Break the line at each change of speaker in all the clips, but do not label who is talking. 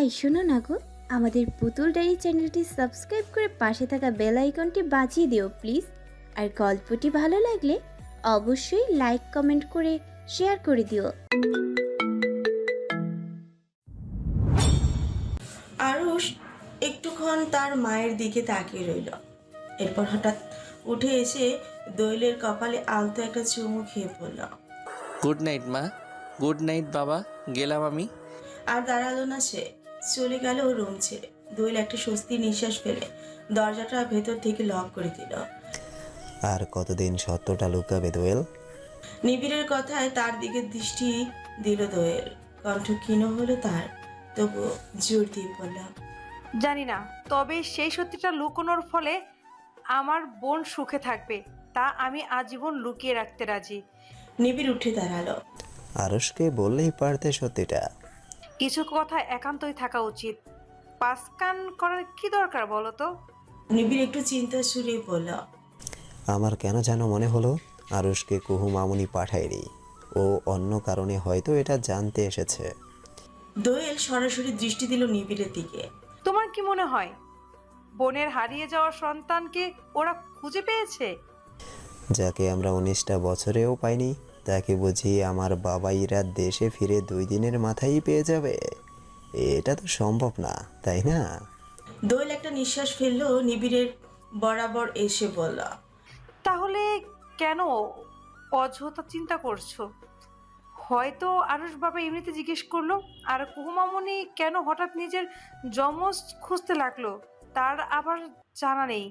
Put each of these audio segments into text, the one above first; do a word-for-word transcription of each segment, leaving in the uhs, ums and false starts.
এই শোনো না গো, আমাদের পুতুল ডায়েরি চ্যানেলটি সাবস্ক্রাইব করে পাশে থাকা বেল আইকনটি বাজিয়ে দিও প্লিজ। আর গল্পটি ভালো লাগলে অবশ্যই লাইক কমেন্ট করে শেয়ার করে দিও।
আরুষ একটুক্ষণ তার মায়ের দিকে তাকিয়ে রইল। এরপর হঠাৎ উঠে এসে দোয়েলের কপালে আলতো একটা চুমু খেয়ে পড়ল।
গুড নাইট মা। গুড নাইট বাবা, গেলাম আমি।
আর দাঁড়ালো না সে, চলে গেল রুম ছেড়ে। দোয়েল একটা স্বস্তির নিঃশ্বাস ফেলে দরজাটা ভেতর থেকে লক করে দিল।
আর কতদিন সত্যটা লুকাবে দোয়েল?
নিবিড়ের কথায় তার দিকে দৃষ্টি দিল দোয়েল। কণ্ঠ ক্ষীণ হলো তার, তবু জোর দিয়ে বললাম,
জানি না, তবে সেই সত্যিটা লুকোনোর ফলে আমার বোন সুখে থাকবে, তা আমি আজীবন লুকিয়ে রাখতে রাজি।
নিবিড় উঠে দাঁড়ালো।
আরুষকে বললেই পারতে সত্যিটা।
কিছু কথা একান্তই থাকা উচিত, পাসকান করার কি দরকার বলো তো?
নিবিড় একটু চিন্তা সুরে বলল,
আমার কেন যেন মনে হলো আরুষকে কুহু মামুনি পাঠায়নি, ও অন্য কারণে হয়তো এটা জানতে এসেছে।
দোয়েল সরাসরি দৃষ্টি দিল নিবিড়ের দিকে।
তোমার কি মনে হয় বোনের হারিয়ে যাওয়া সন্তানকে ওরা খুঁজে পেয়েছে?
যাকে আমরা উনিশটা বছরেও পাইনি, তাকে বুঝি আমার বাবাইরা দেশে ফিরে দুই দিনের মাথায় পেয়ে যাবে? এটা তো সম্ভব না, তাই না?
দোয়েল একটা নিঃশ্বাস ফেললো নিবিড়ের বরাবর এসে বলল,
তাহলে কেন অযথা চিন্তা করছো? হয়তো আরুষ বাবা এমনিতে জিজ্ঞেস করলো, আর কুহুমামনি কেন হঠাৎ নিজের যমজ খুঁজতে লাগলো তার আবার জানা নেই।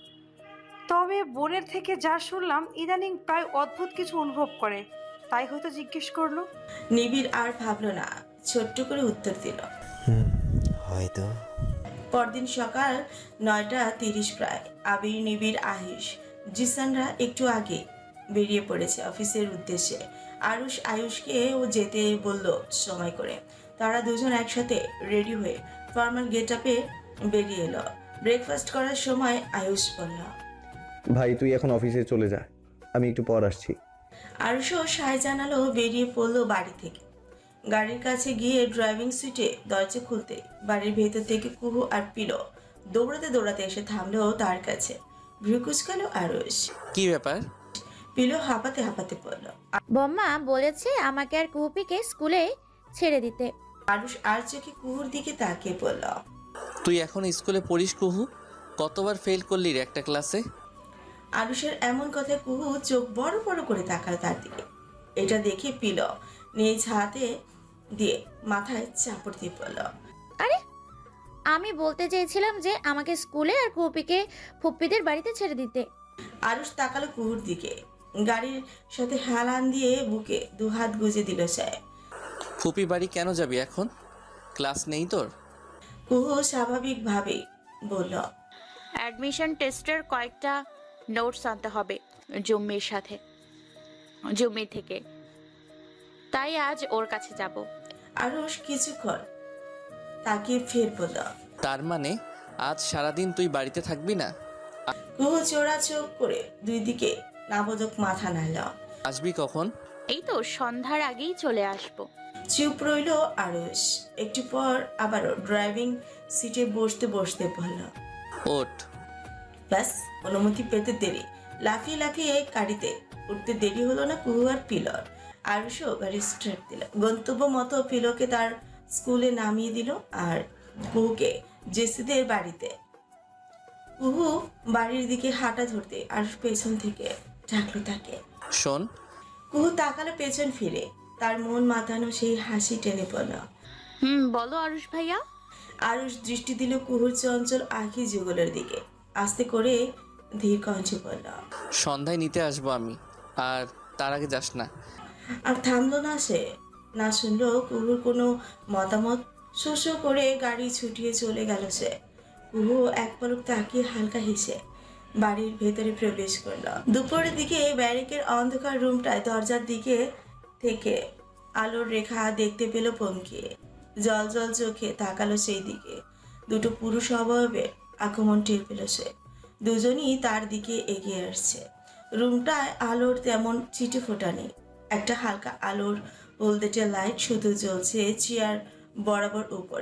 তবে বোনের থেকে যা শুনলাম ইদানিং প্রায় অদ্ভুত কিছু অনুভব করে, তাই হয়তো জিজ্ঞেস করলো।
নিবিড় আর ভাবলো না, ছোট্ট করে উত্তর দিল,
হুম, হয়তো।
পরদিন সকাল নয়টা তিরিশ প্রায়। আবির, নিবিড়, আহিস, জিসানরা একটু আগে বেরিয়ে পড়েছে অফিসের উদ্দেশ্যে। আরুষ আয়ুষকে ও যেতে বলল সময় করে। তারা দুজন একসাথে রেডি হয়ে ফর্মাল গেট আপে বেরিয়ে এলো। ব্রেকফাস্ট করার সময় আয়ুষ বলল,
ভাই তুই এখন অফিসে চলে যা, আমি একটু পর আসছি।
আরুষও সায় জানালো বেরিয়ে পড়লো বাড়ি থেকে। গাড়ির কাছে গিয়ে ড্রাইভিং সিটে দরজা খুলতে বাড়ির ভেতর থেকে কুহু আর পিলো দৌড়াতে দৌড়াতে এসে থামলো তার কাছে। ভ্রুকুচকালো আরুষ।
কি ব্যাপার?
পিলো হাঁপাতে হাঁপাতে পড়ল।
বম্মা বলেছে আমাকে আর কুহুপিকে স্কুলে ছেড়ে দিতে।
আরুষ আর চোখে কুহুর দিকে তাকিয়ে পড়ল।
তুই এখন স্কুলে পড়িস কুহু? কতবার ফেল করলি রে একটা ক্লাসে?
আরুষের এমন কথায় কুহু চোখ বড় বড় করে তাকালো তার দিকে। এটা দেখে পিলো নিজ হাতে দিয়ে মাথায় চাপড় দিয়ে পড়ল।
আরে আমি বলতে চেয়েছিলাম যে আমাকে স্কুলে আর কুহুপিকে ফুপ্পিদের বাড়িতে ছেড়ে দিতে।
আরুষ তাকালো কুহুর দিকে। গাড়ির সাথে হেলান দিয়ে বুকে দুহাত গুজে দিল সে।
ফুপি বাড়ি কেন যাবি এখন? ক্লাস নেই তোর?
কুহু স্বাভাবিকভাবেই বলল,
অ্যাডমিশন টেস্টের কয়েকটা নোটস আনতে হবে জম্মির সাথে, জম্মি থেকে, তাই আজ ওর কাছে যাব।
আরুষ কিছুক্ষণ তাকিয়ে ফের বলল,
তার মানে আজ সারাদিন তুই বাড়িতে থাকবি না?
কুহু চোরা চোখ করে দুই দিকে নাবোধক মাথা নাড়ল।
আসবি কখন?
এই তো সন্ধ্যার আগেই চলে আসব।
চুপ রইল আরুষ। একটু পর আবারও ড্রাইভিং সিটে বসতে বসতে বলল,
ওঠ।
ব্যাস অনুমতি পেতে দেরি। লাফিয়ে লাফিয়ে গাড়িতে উঠতে দেরি হলো না কুহু আর পিলর। আরুষও গাড়ি স্টার্ট দিল। গন্তব্য মতো পিলোকে তার স্কুলে নামিয়ে দিল আর কুহুকে জেসিদের বাড়িতে। কুহু বাড়ির দিকে হাঁটা ধরতে আরুষ পেছন থেকে ডাকলো তাকে।
শোন।
কুহু তাকালো পেছন ফিরে। তার মন মাতানো সেই হাসি টেনে পড়ল।
হুম, বলো আরুষ ভাইয়া।
আরুষ দৃষ্টি দিল কুহুর চঞ্চল আঁখি যুগলের দিকে। আস্তে করে ধীর কণ্ঠে বলল,
সন্ধ্যায় নিতে আসবো আমি, আর তার আগে যাস না।
আর থামলো না সে। না শুনলো কুহুর কোনো মতামত। শো শো করে গাড়ি ছুটিয়ে চলে গেল সে। কুহু এক পলক তাকিয়ে হালকা হেসে বাড়ির ভেতরে প্রবেশ করলো। দুপুরের দিকে ব্যারিকের অন্ধকার রুমটায় দরজার দিকে থেকে আলোর রেখা দেখতে পেল পমকিয়ে। জল জল চোখে তাকালো সেই দিকে। দুটো পুরুষ অবয়বে আক্রমণ টের পেল সে। দুজনই তার দিকে এগিয়ে আসছে। রুমটায় আলোর তেমন ছিটে ফোটা নেই। একটা হালকা আলোর হলদেটে লাইট শুধু জ্বলছে চেয়ার বরাবর উপরে।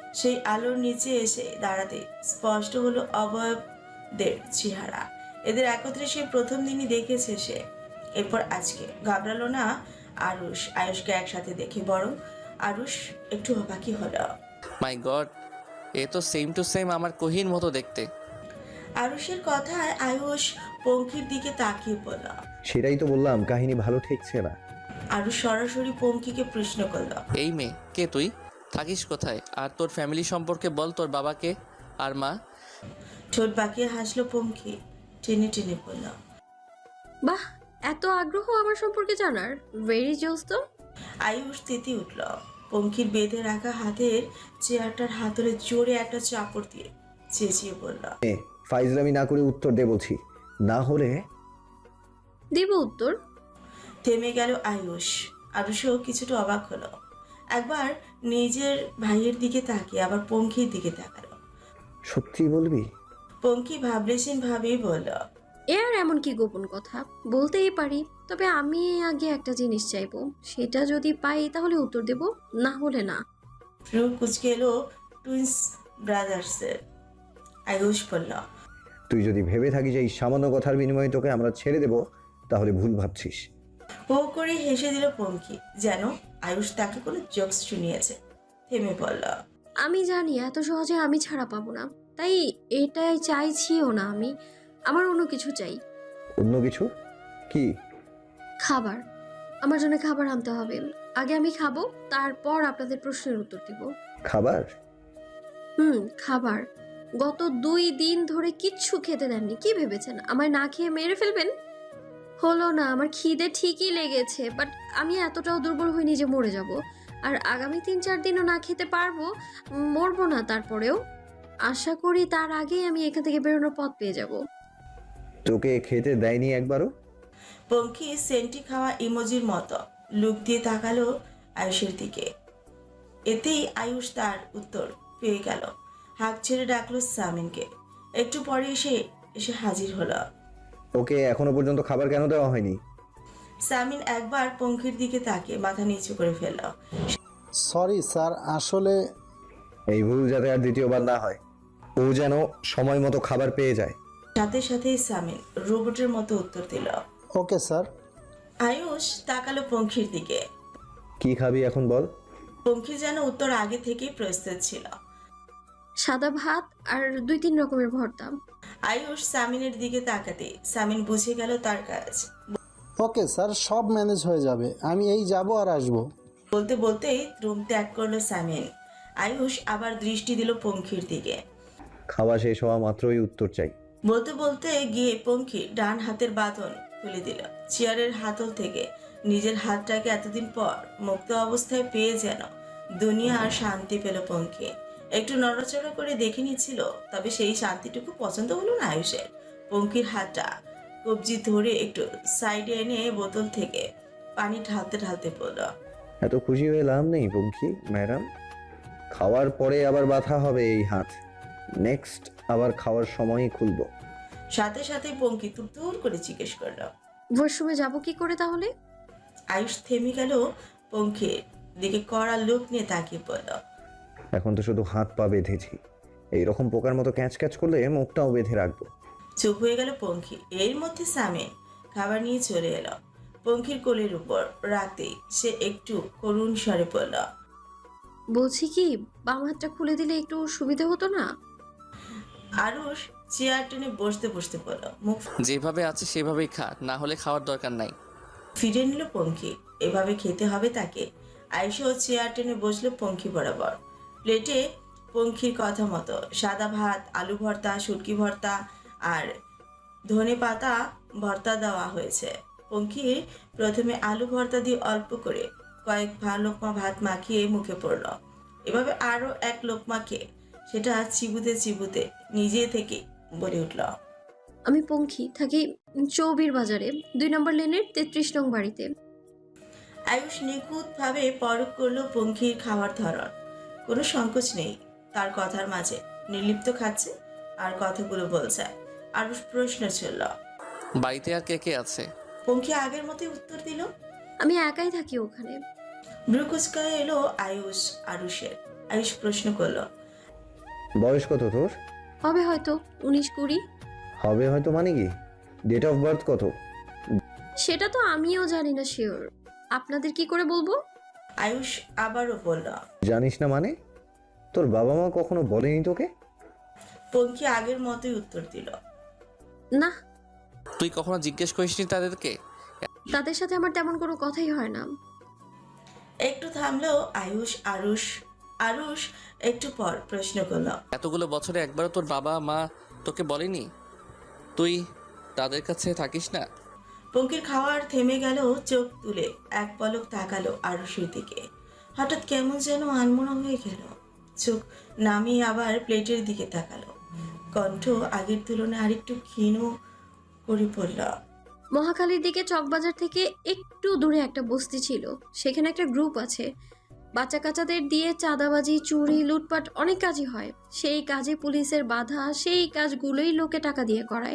সেই আলোর নিচে এসে দাঁড়াতে স্পষ্ট হলো অবয়বদের চেহারা। এদের একত্রে সে প্রথম দিনই দেখেছে সে। এরপর আজকে ঘাবড়ালো না আরুষ আয়ুষকে একসাথে দেখে, বরং আরুষ একটু অবাকই হলো।
মাই গড, এ তো সেম টু সেম আমার কোহির মতো দেখতে।
আরুষের কথায় আয়ুষ পঙ্খির দিকে তাকিয়ে পড়ল।
সেটাই তো বললাম, কাহিনী ভালো ঠেকছে না।
আরুষ সরাসরি পঙ্খিকে প্রশ্ন করল।
এই মেয়ে কে, তুই থাকিস কোথায়, আর তোর ফ্যামিলি সম্পর্কে বল, তোর বাবাকে আর মা।
ঠোঁট বাঁকিয়ে হাসলো পঙ্খি, টেনে টেনে বলল।
বাহ, এত আগ্রহ আমার সম্পর্কে জানার, ভেরি জোস তো।
আয়ুষ তেতে উঠল। পঙ্খির বেঁধে রাখা হাতের চেয়ারটার হাতলে জোরে একটা চাপড় দিয়ে চেঁচিয়ে বলল।
এ, ফাইজলামি না করে উত্তর দে বলছি, না হলে।
দিব উত্তর।
থেমে গেল আয়ুষ। আরুষও কিছুটা অবাক হলো। একবার নিজের ভাইয়ের দিকে তাকিয়ে আবার পঙ্খির দিকে তাকালো।
সত্যি বলবি?
পঙ্খি ভাবলেশীন ভাবেই বলল।
এ আর এমন কি গোপন কথা, বলতেই পারি, তবে আমি আগে একটা জিনিস চাইবো, সেটা যদি পাই তাহলে উত্তর দেব, না হলে না।
ফ্লু কুচকে এলো টুইন্স ব্রাদার্সের। আয়ুষ বলল।
তুই যদি ভেবে থাকিস এই সামান্য কথার বিনিময়ে তোকে আমরা ছেড়ে দেব, তাহলে ভুল ভাবছিস।
হো করে হেসে দিল পঙ্খি, যেন আয়ুষ তাকে কোনো জোকস শুনিয়েছে। থেমে বলল।
আমি জানি এত সহজে আমি ছাড়া পাবো না, তাই এটাই চাইছিও না আমি। আমার অন্য কিছু চাই।
অন্য কিছু? কি?
খাবার। আমার জন্য খাবার আনতে হবে। আগে আমি খাবো, তারপর আপনাদের প্রশ্নের উত্তর দিব।
খাবার?
হুম, খাবার। গত দুই দিন ধরে কিচ্ছু খেতে দেননি, কি ভেবেছেন আমায় না খেয়ে মেরে ফেলবেন? হলো না, আমার খিদে ঠিকই লেগেছে, বাট আমি এতটাও দুর্বল হইনি যে মরে যাব। আর আগামী তিন চার দিনও না খেতে পারবো, মরবো না তারপরেও। আশা করি তার আগেই আমি এখান থেকে বেরোনোর পথ পেয়ে যাব।
তোকে খেতে দেয়নি একবারও?
পঙ্খি সেন্টি খাওয়া ইমোজির মতো লুক দিয়ে তাকালো আয়ুষের দিকে। এতেই আয়ুষ তার উত্তর পেয়ে গেল। হাঁক ছেড়ে ডাকলো সামিনকে। একটু পরে এসে এসে হাজির হলো।
ওকে এখনো পর্যন্ত খাবার কেন দেওয়া হয়নি?
সামিন একবার পঙ্খির দিকে তাকিয়ে মাথা নিচু করে ফেলল।
সরি স্যার, আসলে
এই ভুল যাতে আর দ্বিতীয়বার না হয়, ও যেন সময় মতো খাবার পেয়ে যায়।
সাথে সাথেই সামিন রোবটের মতো উত্তর দিল।
Okay sir.
আয়ুষ তাকালো পঙ্খির দিকে।
কি খাবি এখন বল?
পঙ্খির যেন উত্তর আগে থেকেই প্রস্তুত ছিল।
সাদা ভাত আর দুই তিন রকমের ভর্তা।
আয়ুষ সামিনের দিকে তাকাতে সামিন বুঝে গেল তার কাজ।
ওকে স্যার, সব ম্যানেজ হয়ে যাবে, আমি এই যাব আর আসবো।
বলতে বলতেই রুম ত্যাগ করলো সামিন। আয়ুষ আবার দৃষ্টি দিল পঙ্খির দিকে।
খাওয়া শেষ হওয়া মাত্রই উত্তর চাই।
বলতে বলতে গিয়ে পঙ্খি ডান হাতের বাঁধন খুলে দিল। চেয়ারের হাতল থেকে নিজের হাতটাকে এতদিন পর মুক্ত অবস্থায় পেয়ে যেন দুনিয়া আর শান্তি পেল পঙ্খি। একটু নড়াচড়া করে দেখে নিচ্ছিল, তবে সেই শান্তিটুকু পছন্দ হলো না আয়ুষের। পঙ্খির হাতটা কবজি ধরে একটু সাইডে এনে বোতল থেকে পানি ঢালতে ঢালতে বলল।
এত খুশি হয়ে লাভ নেই পঙ্খি ম্যাডাম, খাওয়ার পরে আবার ব্যথা হবে এই হাত। নেক্সট আবার খাওয়ার সময়ই খুলবো।
সাথে সাথে পঙ্কি তুরতুর করে জিজ্ঞেস করল।
ওয়াশরুমে যাব কি করে তাহলে?
আয়ুষ থেমে গেল পঙ্খির দিকে কড়া লোক নিয়ে তাকিয়ে পড়ল।
এখন তো শুধু হাত পা বেঁধেছি, এইরকম পোকার মতো ক্যাচ ক্যাচ করলে মুখটাও বেঁধে রাখবো।
চুপ হয়ে গেল পঙ্খি। এর মধ্যে সামিন খাবার নিয়ে চলে এলো পঙ্খির কোলের উপর। রাতে সে একটু করুণ স্বরে পড়ল।
বলছি কি, বাম হাতটা খুলে দিলে একটু সুবিধা হতো না?
আরুষ চেয়ার টেনে বসতে বসতে পড়ল। মুখ
যেভাবে আছে সেভাবেই খা, না হলে খাওয়ার দরকার নাই।
ফিরে নিল পঙ্খি। এভাবে খেতে হবে তাকে। আয়ুষও চেয়ার টেনে বসলো পঙ্খি বরাবর। প্লেটে পঙ্খির কথা মতো সাদা ভাত, আলু ভর্তা, শুটকি ভর্তা আর ধনে পাতা ভর্তা দেওয়া হয়েছে। পঙ্খির প্রথমে আলু ভর্তা দিয়ে অল্প করে কয়েক ভা লোকমা ভাত মাখিয়ে মুখে পড়ল। এভাবে আরও এক লোকমা খেয়ে সেটা চিবুতে চিবুতে নিজে থেকে বলে উঠল।
আমি পঙ্খি, থাকি চৌবির বাজারে, দুই নম্বর লেনের তেত্রিশ নং বাড়িতে।
আয়ুষ নিখুঁতভাবে পরখ করলো পঙ্খির খাওয়ার ধরন। কোনো সংকোচ নেই তার কথার মাঝে। নির্লিপ্ত খাচ্ছে আর কথাগুলো বলছে। আরুষ প্রশ্ন ছিল।
বাড়িতে আর কে কে আছে?
পঙ্খি আগের মতোই উত্তর দিল।
আমি একাই থাকি ওখানে।
ব্রুকুচকায় এলো আয়ুষ আরুষের। আয়ুষ প্রশ্ন করলো।
বয়স কত তোর?
হবে হয়তো উনিশ কুড়ি।
হবে হয়তো মানে কি? ডেট অফ বার্থ কত?
সেটা তো আমিও জানি না শিওর, আপনাদের কি করে বলবো?
আয়ুষ আবারও বলল।
জানিস না মানে? তোর বাবা মা কখনো বলেনি তোকে?
পঙ্কি আগের মতোই উত্তর দিল।
না,
তুই কখনো জিজ্ঞেস করিসনি তাদেরকে?
তাদের সাথে আমার তেমন কোনো কথাই হয় না।
একটু থামলো আয়ুষ। আরুষ আরুষ একটু পর প্রশ্ন করলো।
এতগুলো বছরে একবারও তোর বাবা মা তোকে বলেনি তুই তাদের কাছে থাকিস না?
পঙ্কির খাওয়ার থেমে গেল, চোখ তুলে এক পলক তাকালো আরুষের দিকে। হঠাৎ কেমন যেন আনমনা হয়ে গেল। চোখ নামিয়ে আবার প্লেটের দিকে তাকালো। কণ্ঠ আগের তুলনায় আরেকটু ক্ষীণ করে পড়ল।
মহাখালীর দিকে চকবাজার থেকে একটু দূরে একটা বস্তি ছিল, সেখানে একটা গ্রুপ আছে। বাচ্চা কাচ্চাদের দিয়ে চাঁদাবাজি, চুরি, লুটপাট অনেক কাজই হয়। সেই কাজে পুলিশের বাধা, সেই কাজগুলোই লোকে টাকা দিয়ে করায়।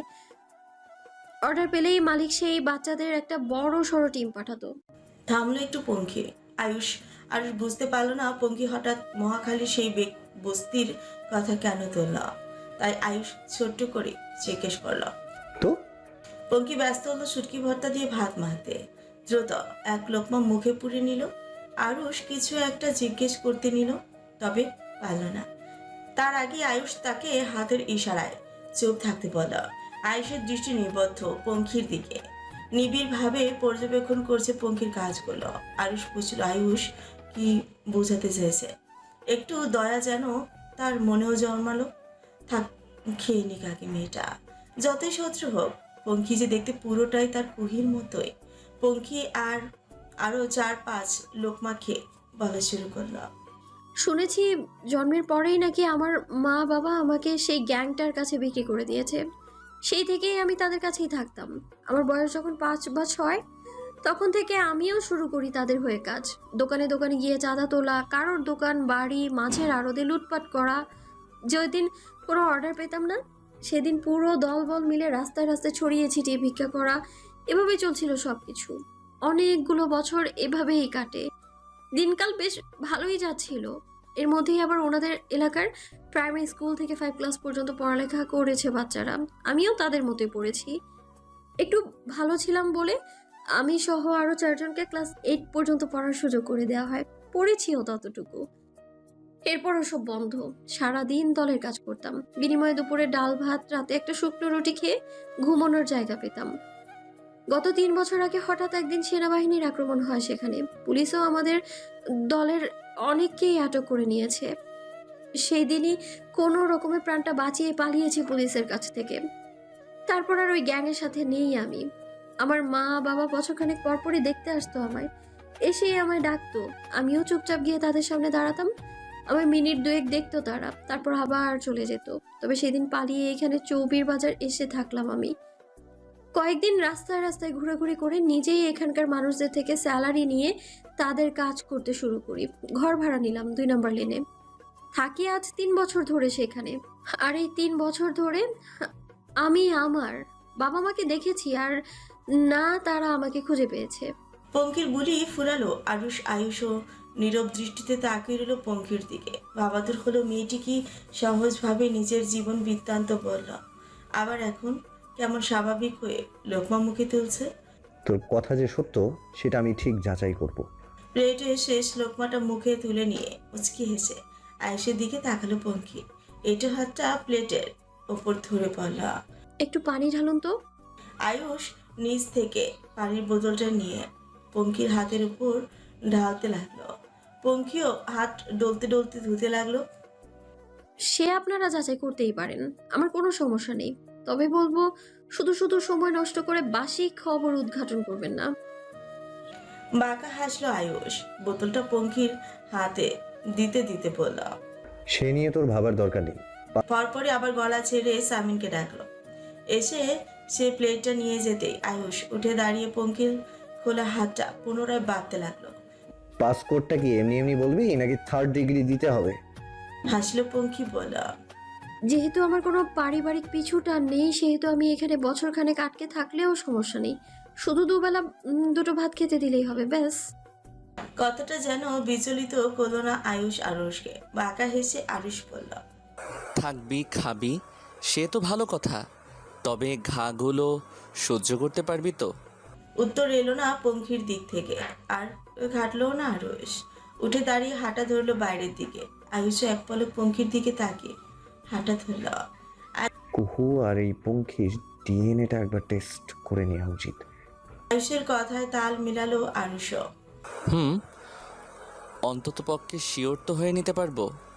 অর্ডার পেলেই মালিক সেই বাচ্চাদের একটা বড় সড়ো টিম পাঠাতো।
থামলো একটু পঙ্কি। আয়ুষ আরুষ বুঝতে পারলো না পঙ্কি হঠাৎ মহাখালীর সেই বেক- বস্তির কথা কেন তুলল। তাই আয়ুষ ছোট্ট করে জিজ্ঞেস করলো।
তো
পঙ্কি ব্যস্ত হলো শুটকি ভর্তা দিয়ে ভাত মাখতে। দ্রুত এক লোকমা মুখে পুরে নিল। আরুষ কিছু একটা জিজ্ঞেস করতে নিল, তবে পারল না। তার আগে আয়ুষ তাকে হাতের ইশারায় চুপ থাকতে বলল। আয়ুষের দৃষ্টি নিবদ্ধ পঙ্খির দিকে, নিবিড়ভাবে পর্যবেক্ষণ করছে পঙ্খির কাজগুলো। আয়ুষ বুঝল আয়ুষ কি বোঝাতে চেয়েছে। একটু দয়া যেন তার মনেও জন্মালো। থাক, খেয়ে নিক আগে মেয়েটা, যতই শত্রু হোক। পঙ্খি যে দেখতে পুরোটাই তার কুহির মতোই। পঙ্খি আর আরো চার পাঁচ লোকমা খেয়ে বলা শুরু করলো।
শুনেছি জন্মের পরেই নাকি আমার মা বাবা আমাকে সেই গ্যাংটার কাছে বিক্রি করে দিয়েছে। সেই থেকেই আমি তাদের কাছেই থাকতাম। আমার বয়স যখন পাঁচ বা ছয়, তখন থেকে আমিও শুরু করি তাদের হয়ে কাজ। দোকানে দোকানে গিয়ে চাঁদা তোলা, কারোর দোকান বাড়ি মাছের আড়তে লুটপাট করা। যেদিন কোনো অর্ডার পেতাম না, সেদিন পুরো দলবল মিলে রাস্তায় রাস্তায় ছড়িয়ে ছিটিয়ে ভিক্ষা করা। এভাবেই চলছিল সব কিছু। অনেকগুলো বছর এভাবেই কাটে। দিনকাল বেশ ভালোই যাচ্ছিল। এর মধ্যেই আবার ওনাদের এলাকার প্রাইমারি স্কুল থেকে ফাইভ ক্লাস পর্যন্ত পড়ালেখা করেছে বাচ্চারা। আমিও তাদের মতোই পড়েছি। একটু ভালো ছিলাম বলে আমি সহ আরও চারজনকে ক্লাস এইট পর্যন্ত পড়ার সুযোগ করে দেওয়া হয়। পড়েছিও ততটুকু। এরপরও সব বন্ধ। সারাদিন দলের কাজ করতাম, বিনিময়ে দুপুরে ডাল ভাত, রাতে একটা শুকনো রুটি খেয়ে ঘুমানোর জায়গা পেতাম। গত তিন বছর আগে হঠাৎ একদিন সেনাবাহিনীর আক্রমণ হয় সেখানে। পুলিশও আমাদের দলের অনেককেই আটক করে নিয়েছে। সেই দিনই কোনো রকমের প্রাণটা বাঁচিয়ে পালিয়েছি পুলিশের কাছ থেকে। তারপর আর ওই গ্যাংয়ের সাথে নেই আমি। আমার মা বাবা বছরখানেক পরপরই দেখতে আসতো আমায়, এসেই আমায় ডাকতো। আমিও চুপচাপ গিয়ে তাদের সামনে দাঁড়াতাম। আমার মিনিট দুয়েক দেখতো তারা, তারপর আবার চলে যেত। তবে সেদিন পালিয়ে এখানে চৌবির বাজার এসে থাকলাম আমি। কয়েকদিন রাস্তায় রাস্তায় ঘোরাঘুরি করে নিজেই এখানকার মানুষদের থেকে স্যালারি নিয়ে তাদের কাজ করতে শুরু করি। ঘর ভাড়া নিলাম দুই নম্বর লেনে, থাকি আজ তিন বছর ধরে সেখানে। আর এই তিন বছর ধরে আমি আমার বাবা মাকে দেখেছি, আর না তারা আমাকে খুঁজে পেয়েছে।
পঙ্কির বুলি ফুরালো। আরুষ আয়ুষও নীরব দৃষ্টিতে তাকিয়ে রইল পঙ্কির দিকে। ভাবাতুর হলো মেয়েটি কি সহজভাবে নিজের জীবন বৃত্তান্ত বলল, আবার এখন কেমন স্বাভাবিক হয়ে লোকমা মুখে তুলছে।
তোর কথা যে সত্য সেটা আমি ঠিক যাচাই করব।
প্লেটে শেষ লোকমাটা মুখে তুলে নিয়ে উচকি হেসে আয়ুষের দিকে তাকালো পঙ্কি। এটো হাতটা প্লেটের ওপর ধরে পড়ল।
একটু পানি ঢালুন তো।
আয়ুষ নিচ থেকে পানির বোতলটা নিয়ে পঙ্কির হাতের উপর ঢালতে লাগলো। পঙ্কিও হাত ডলতে ডলতে ধুতে লাগলো।
সে আপনারা যাচাই করতেই পারেন, আমার কোনো সমস্যা নেই। তবে বলবো, শুধু শুধু সময় নষ্ট করে বাসি খবর উদ্ঘাটন করবেন না।
বাঁকা হাসলো আয়ুষ। বোতলটা পঙ্কির হাতে দিতে দিতে বলল।
সে নিয়ে তোর ভাবার দরকার নেই।
পরপরই আবার গলা ছেড়ে সামিনকে ডাকলো। এসে সে প্লেটটা নিয়ে যেতেই আয়ুষ উঠে দাঁড়িয়ে পঙ্কির খোলা হাতটা পুনরায় বাঁধতে লাগলো।
পাসপোর্টটা কি এমনি এমনি বলবি নাকি থার্ড ডিগ্রি দিতে হবে?
হাসলো পঙ্কি বলল।
যেহেতু আমার কোনো পারিবারিক পিছুটা নেই, সেহেতু আমি এখানে বছরখানেক আটকে থাকলেও সমস্যা নেই। শুধু দুবেলা উম, দুটো ভাত খেতে দিলেই হবে, ব্যাস।
কথাটা যেন বিচলিত করলো না আয়ুষ আরুষকে। বাঁকা হেসে আরুষ বলল।
থাকবি খাবি সে তো ভালো কথা, তবে ঘাগুলো সহ্য করতে পারবি তো?
উত্তর এলো না পঙ্খির দিক থেকে, আর ঘাটলো না আরুষ। উঠে দাঁড়িয়ে হাঁটা ধরলো বাইরের দিকে। আয়ুষও এক পলক পঙ্খির দিকে তাকিয়ে হাঁটা ধরল।
কুহু আর এই পঙ্খির ডিএনএটা একবার টেস্ট করে নেওয়া উচিত।
আয়ুষের কথায় তাল মিলালো আরুষও।
হুম, অন্তত পক্ষে শিওর তো হয়ে নিতে পারবো।